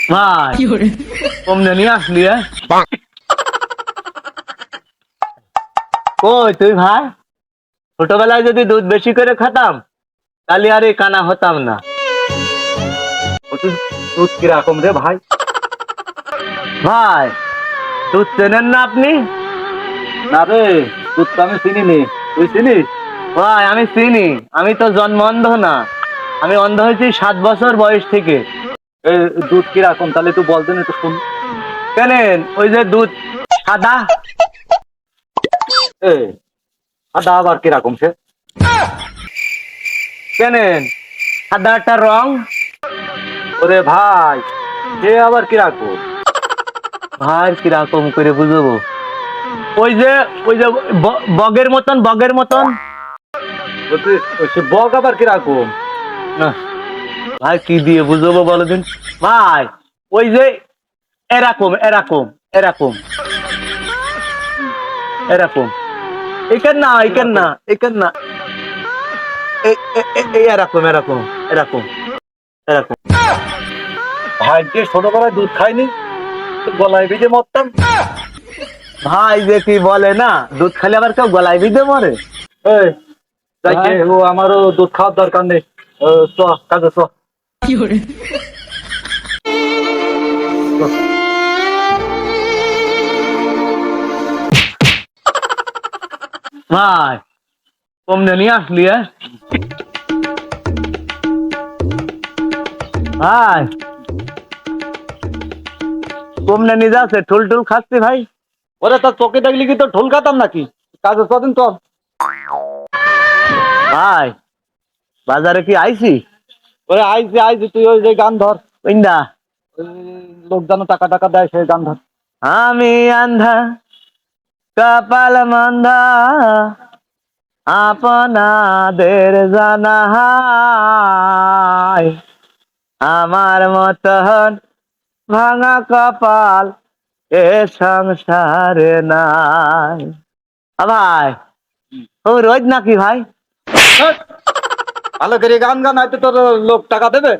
ভাই কমনে নিয়ে আসলি কই তুই ভাই? ছোটবেলায় যদি দুধ বেশি করে খেতাম তাহলে আর এই কানা হতাম না। দুধ কিরকম রে ভাই? ভাই দুধ চেনেন না আপনি? না রে, দুধ তো আমি চিনিনি, তুই চিনিস? ভাই আমি চিনি, আমি তো জন্ম অন্ধ না, আমি অন্ধ হয়েছি 7 বছর বয়স থেকে। এই দুধ কিরকম তাহলে তুই বলতেন একটু শুন। কেনেন ওই যে দুধ সাদা, এ সাদা আবার কিরকম সে? কেনেন সাদা একটা রং। ওরে ভাই, সে আবার কিরকম? ভাই কিরকম করে বুঝবো? ওই যে বগের মতন, বগের মতন। সে বক আবার কিরকম? না ভাই কি দিয়ে বুঝবো বলো দিন ভাই? ওই যে এরকম এরকম এরকম এরকম, এখান না এখান না এখান না, এই এরকম এরকম এরকম এরকম। ভাই যে ছোটবেলায় দুধ খাইনি, গলায় ভিজে মরতাম। ভাই যে কি বলে না, দুধ খেলে আবার কেউ গলায় বিঁধে মরে? এই যাইকে ও আমারও দুধ খাওয়ার দরকার নেই, চ কাজে চ। ভাই কমনে নিয়ে আসলি ভাই? কমনে নিয়ে যাচ্ছে, ঠুল টুল খাচ্ছি ভাই। ওরে তোর চোখে দেখলি কি তোর ঢোল খাতাম নাকি? কাজে চদিন চল। ভাই বাজারে কি আইছি? ওরে আইজি আইজি, তুই ওই যে গান ধর, ইন্দা ওই লোক যেন টাকা টাকা দেয় সেই গান ধর। আমি আন্ধা কপাল মন্ধা আপনাদের জানাই, আমার মতন ভাঙা কপাল এ সংসারে নাই। ভাই ও রোজ নাকি ভাই? হেৎ, ভালো করে গান গান, হয়তো তোর লোক টাকা দেবে।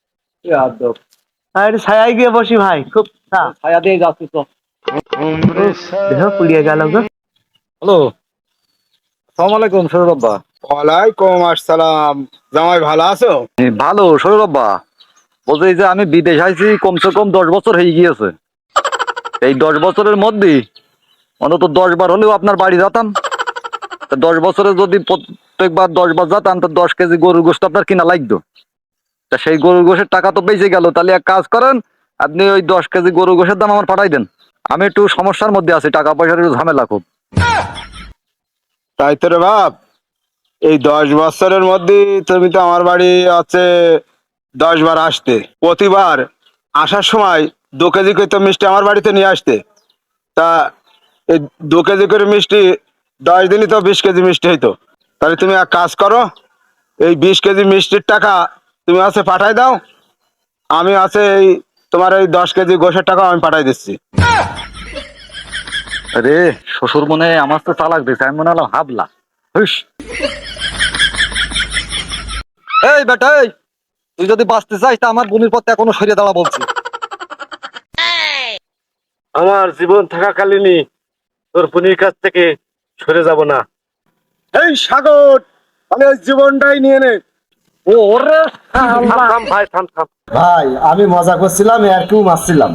আর ছায়ায় গিয়ে বসি ভাই, খুব ছায়া দিয়ে যাচ্ছি তো। দেহ পুড়িয়ে গেল গো। হ্যালো, আসসালামু আলাইকুম সৌরভ্বা। ওয়ালাইকুম আসসালাম। জামাই ভালো আছো? ভালো সৌরভ্বা, বলছি যে আমি বিদেশ আইছি কমসে কম 10 বছর হয়ে গিয়েছে। এই 10 বছরের মধ্যে অন্তত 10 বার হলেও আপনার বাড়ি যেতাম। 10 বছরে যদি প্রত্যেকবার 10 বার যেতাম তো 10 কেজি গরুর গোশত আপনার কিনা লাগতো। তা সেই গরুর গোশের টাকা তো বেঁচে গেল, তাহলে এক কাজ করেন, আপনি ওই 10 কেজি গরুর গোশের দাম আমার পাঠাই দেন। আমি একটু সমস্যার মধ্যে আছি, টাকা পয়সার একটু ঝামেলা খুব। তাই তো রে বাপ, এই 10 বছরের মধ্যে তুমি তো আমার বাড়ি হচ্ছে 10 বার আসতে। প্রতিবার আসার সময় 2 কেজি করে তো মিষ্টি আমার বাড়িতে নিয়ে আসতে। তা এই 2 কেজি করে মিষ্টি 10 দিনই তো 20 কেজি মিষ্টি হইতো। তাহলে তুমি এক কাজ করো, এই 20 কেজি মিষ্টির টাকা তুমি আছে পাঠাই দাও, আমি আছে এই তোমার এই 10 কেজি গোশের টাকা আমি পাঠাই দিচ্ছি। আরে শ্বশুর মনে হয় আমার তো চালাক দিয়েছে, আমি মনে হলাম হাবলা। হুস, এই বেটা এই, তুই যদি বাঁচতে চাস তা আমার বোনের পথে এখনো সরিয়ে দাঁড়া বলছি। আমার জীবন থাকাকালীনই তোর বোনের কাছ থেকে সরে যাব না। এই সাগর, তাহলে ওই জীবনটাই নিয়ে নে। ওরে থাম থাম ভাই, থাম থাম। ভাই আমি মজা করছিলাম, আর কেউ মারছিলাম।